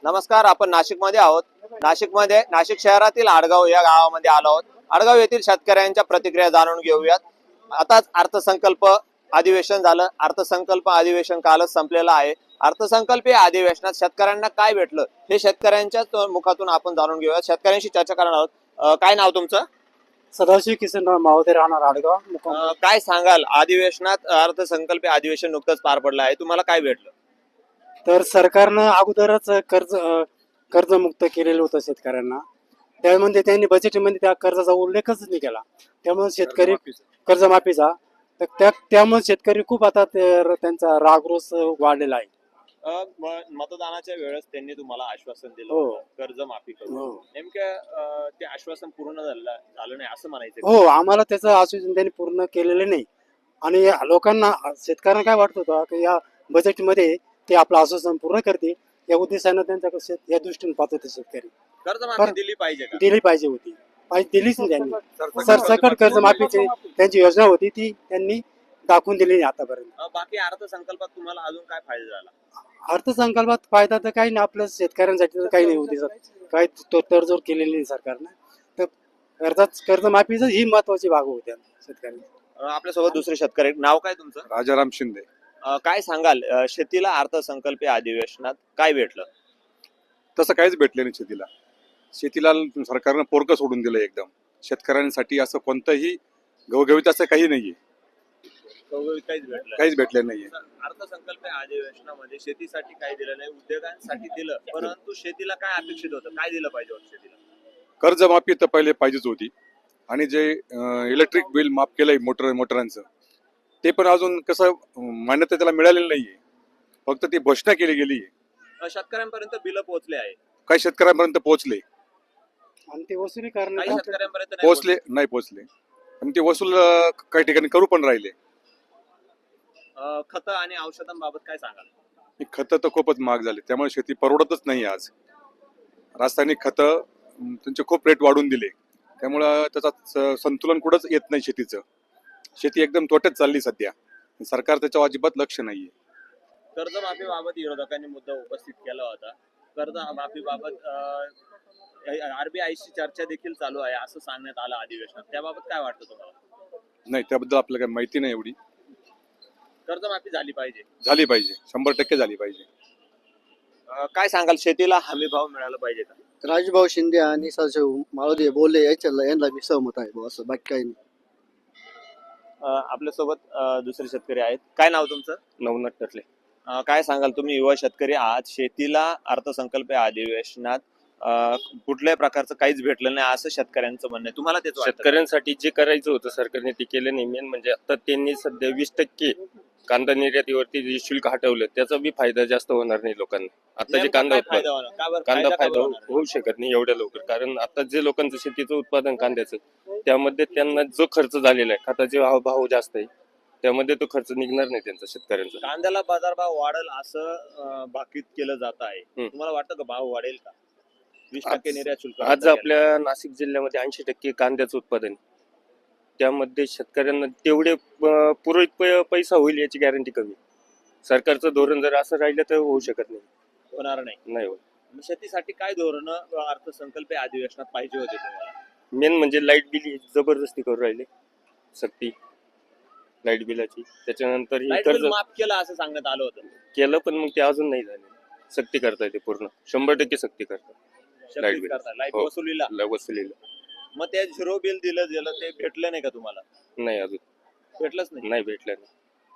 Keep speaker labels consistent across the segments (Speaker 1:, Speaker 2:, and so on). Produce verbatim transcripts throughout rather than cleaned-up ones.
Speaker 1: नमस्कार, आपण नाशिकमध्ये आहोत. नाशिकमध्ये नाशिक शहरातील आडगाव या गावामध्ये आलो आहोत. आडगाव येथील शेतकऱ्यांच्या प्रतिक्रिया जाणून घेऊयात. आताच अर्थसंकल्प अधिवेशन झालं. अर्थसंकल्प अधिवेशन कालच संपलेलं आहे. अर्थसंकल्पीय अधिवेशनात शेतकऱ्यांना काय भेटलं हे शेतकऱ्यांच्या मुखातून आपण जाणून घेऊयात. शेतकऱ्यांशी चर्चा करणार आहोत. अं, काय नाव तुमचं?
Speaker 2: सदाशिव किसनराव मावदे, राहणार आडगाव.
Speaker 1: अं, काय सांगाल, अधिवेशनात अर्थसंकल्पीय अधिवेशन नुकतंच पार पडलं आहे, तुम्हाला काय भेटलं?
Speaker 2: तर सरकारनं अगोदरच कर्ज अ, कर्जमुक्त केलेलं होतं शेतकऱ्यांना. त्यामध्ये त्यांनी बजेटमध्ये त्या कर्जाचा उल्लेखच नाही केला. त्यामुळे शेतकरी कर्जमाफीचा तर त्या त्यामुळे शेतकरी खूप आता ते- त्यांचा रागरोष वाढलेला आहे.
Speaker 1: अं, म- मतदानाच्या वेळेस त्यांनी तुम्हाला आश्वासन दिलं
Speaker 2: हो.
Speaker 1: होतं कर्ज माफी करू.
Speaker 2: हो
Speaker 1: नेमकं अं, ते आश्वासन पूर्ण झालं झालं नाही असं म्हणायचं.
Speaker 2: हो आम्हाला त्याचं आश्वासन त्यांनी पूर्ण केलेलं नाही. आणि या लोकांना शेतकऱ्यांना काय वाटत होतं की या बजेटमध्ये ते आपलं आश्वासन पूर्ण करते या उद्देशानं त्यांच्याकडे शेत या दृष्टीने पाहत होते शेतकरी.
Speaker 1: कर्ज माफी दिली पाहिजे का?
Speaker 2: दिली पाहिजे होती, पाहिजे दिलीच नाही त्यांनी. सरसकट कर्जमाफीची त्यांची योजना होती ती त्यांनी दाखवून दिली नाही आतापर्यंत.
Speaker 1: अं, बाकी अर्थसंकल्पात तुम्हाला अजून काय फायदा झाला?
Speaker 2: अर्थसंकल्पात फायदा तर काही नाही, आपल्या शेतकऱ्यांसाठी तर काही नाही होती सर. काही तो तडजोड केलेली नाही सरकारनं. तर कर्जात कर्जमाफीच ही महत्वाची बाब होती शेतकऱ्यांना.
Speaker 1: अं, आपल्यासोबत दुसरे शेतकरी आहेत. नाव काय तुमचं?
Speaker 3: राजाराम शिंदे.
Speaker 1: अं, काय सांगाल, अं, शेतीला अर्थसंकल्पीय अधिवेशनात काय भेटलं?
Speaker 3: तसं काहीच भेटलं नाही शेतीला. शेतीला सरकारनं पोरकं सोडून दिलं एकदम. शेतकऱ्यांसाठी असं कोणतंही गवगवीत असं काही नाहीये,
Speaker 1: काहीच भेटलं
Speaker 3: काहीच भेटलं नाहीये.
Speaker 1: अर्थसंकल्पीय अधिवेशनामध्ये शेतीसाठी काय दिलं नाही, उद्योगांसाठी दिलं, परंतु शेतीला काय अपेक्षित होतं, काय दिलं पाहिजे होतं शेतीला?
Speaker 3: कर्जमाफी तर पहिले पाहिजेच होती. आणि जे इलेक्ट्रिक बिल माफ केलंय मोटर मोटरांचं ते पण अजून कसं अं, मान्यता त्याला मिळालेली नाहीये. फक्त ती घोषणा केली गेली.
Speaker 1: अं, शेतकऱ्यांपर्यंत बिल पोहोचले आहे,
Speaker 3: काही शेतकऱ्यांपर्यंत पोहोचले,
Speaker 2: आणि ते वसुली
Speaker 1: काही
Speaker 2: करणं
Speaker 1: शेतकऱ्यांपर्यंत नाही
Speaker 3: पोहोचले नाही पोहोचले. आणि ते वसूल अं, काही ठिकाणी करू पण राहिले.
Speaker 1: अं, खतं आणि औषधांबाबत काय सांगाल?
Speaker 3: खतं तर खूपच महाग झाले, त्यामुळे शेती परवडतच नाही आज. रासायनिक खतं अं, त्यांचे खूप रेट वाढून दिले, त्यामुळं त्याचा स- संतुलन कुठंच येत नाही शेतीचं. शेती एकदम तोट्यात चालली सध्या. सरकार त्याच्यावर अजिबात लक्ष नाहीये.
Speaker 1: कर्जमाफीबाबत विरोधकांनी मुद्दा उपस्थित केला होता. कर्जमाफीबाबत आरबीआयशी चर्चा देखील चालू आहे असं सांगण्यात आलं अधिवेशनात. त्याबाबत काय वाटतं तुम्हाला?
Speaker 3: नाही, त्याबद्दल आपल्याला काही माहिती नाही एवढी.
Speaker 1: कर्जमाफी झाली पाहिजे.
Speaker 3: झाली पाहिजे, शंभर टक्के झाली पाहिजे.
Speaker 1: अं, काय सांगाल, शेतीला हमी भाव मिळाला पाहिजे का?
Speaker 4: राजभाऊ शिंदे आणि सदाशिव माळोदे बोलले याच्याला यांना मी सहमत आहे बुवा, असं बाकी काही नाही.
Speaker 1: अं, आपल्यासोबत अं, दुसरे शेतकरी आहेत. काय नाव तुमचं?
Speaker 5: नवनाथ टरले.
Speaker 1: अं, काय सांगाल, तुम्ही युवा शेतकरी आहात. शेतीला अर्थसंकल्पीय अधिवेशनात अं, कुठल्याही प्रकारचं काहीच भेटलं नाही असं शेतकऱ्यांचं म्हणणं आहे. तुम्हाला तेच वाटतं का?
Speaker 5: शेतकऱ्यांसाठी जे करायचं होतं सरकारने ते केलं नाही. मेन म्हणजे आता त्यांनी सध्या वीस टक्के कांदा निर्यातीवरती जे शुल्क हटवलं त्याचा बी फायदा जास्त होणार नाही लोकांना. आता जे
Speaker 1: नेमका
Speaker 5: कांदा
Speaker 1: काय
Speaker 5: उत्पादन
Speaker 1: फायदा होणार? का बरं
Speaker 5: कांदा
Speaker 1: फायदा का
Speaker 5: फायदा
Speaker 1: बरं होणार?
Speaker 5: होऊ शकत नाही एवढ्या लवकर, कारण आता जे लोकांचं शेतीचं उत्पादन कांद्याचं त्यामध्ये त्यांना जो खर्च झालेला आहे, खताचे भाव भाव जास्त आहे, त्यामध्ये तो खर्च निघणार नाही त्यांचा शेतकऱ्यांचा.
Speaker 1: कांद्याला बाजारभाव वाढेल असं अं, भाकीत केलं जात आहे.
Speaker 5: हम्म.
Speaker 1: तुम्हाला वाटतं का भाव वाढेल का? वीस
Speaker 5: आज-
Speaker 1: टक्के निर्यात शुल्क
Speaker 5: आज
Speaker 1: रद्द केलं.
Speaker 5: आपल्या नाशिक जिल्ह्यामध्ये ऐंशी टक्के कांद्याचं उत्पादन आहे. त्यामध्ये शेतकऱ्यांना तेवढे अं, पुरेपूर पै- पैसा होईल याची गॅरंटी कमी. सरकारचं धोरण जर असं राहिलं तर होऊ शकत नाही.
Speaker 1: होणार नाही.
Speaker 5: नाही होत.
Speaker 1: मग शेतीसाठी काय धोरण अर्थसंकल्पीय अधिवेशनात पाहिजे होते तुम्हाला?
Speaker 5: मेन म्हणजे लाईट बिल ही जबरदस्ती करू राहिले, सक्ती लाईट बिलाची. त्याच्यानंतर हे
Speaker 1: लाईट
Speaker 5: कर्ज
Speaker 1: बिल माफ केलं असं सांगण्यात आलं होतं.
Speaker 5: केलं पण मग ते अजून नाही झाले. सक्ती करताय ते पूर्ण शंभर टक्के सक्ती करतात लाईट
Speaker 1: शक्तीच
Speaker 5: बिल.
Speaker 1: करता लाईट
Speaker 5: हो.
Speaker 1: वसुलीला.
Speaker 5: ल- वसुलीला
Speaker 1: मग ते झिरो बिल दिलं गेलं ते भेटलं नाही का तुम्हाला?
Speaker 5: नाही, अजून
Speaker 1: भेटलंच नाही.
Speaker 5: नाही भेटलं नाही.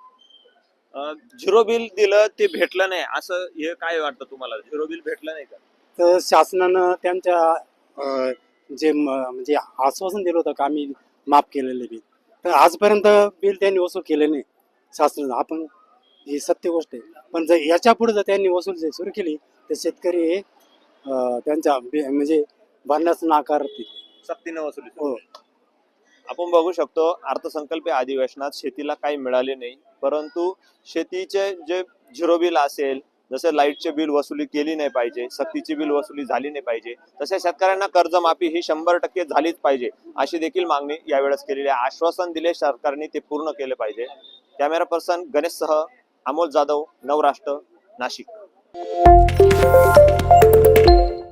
Speaker 1: अं, झिरो बिल दिलं ते भेटलं नाही असं हे काय वाटतं तुम्हाला? झिरो बिल भेटलं नाही का?
Speaker 2: तर शासनानं त्यांच्या अ, जे म- म्हणजे आश्वासन दिलं होतं का आम्ही माफ केलेले बिल, तर आजपर्यंत बिल त्यांनी वसूल केले नाही शासनानं. आपण ही सत्य गोष्ट आहे. पण जर याच्या पुढे जर त्यांनी वसूल जर सुरू केली तर शेतकरी हे अ, त्यांच्या बि- म्हणजे भरण्यास नाकारतील.
Speaker 1: सक्तीनं वसुली.
Speaker 2: हो.
Speaker 1: आपण बघू शकतो अर्थसंकल्पीय अधिवेशनात शेतीला काही मिळाले नाही, परंतु शेतीचे जे झिरो बिल असेल, जसे लाईटचे बिल वसुली केली नाही पाहिजे, सक्तीची बिल वसुली झाली नाही पाहिजे, तसे शेतकऱ्यांना कर्जमाफी ही शंभर टक्के झालीच पाहिजे अशी देखील मागणी यावेळेस केलेली आहे. आश्वासन दिले सरकारने ते पूर्ण केले पाहिजे. कॅमेरा पर्सन गणेशसह अमोल जाधव, नवराष्ट्र, नाशिक.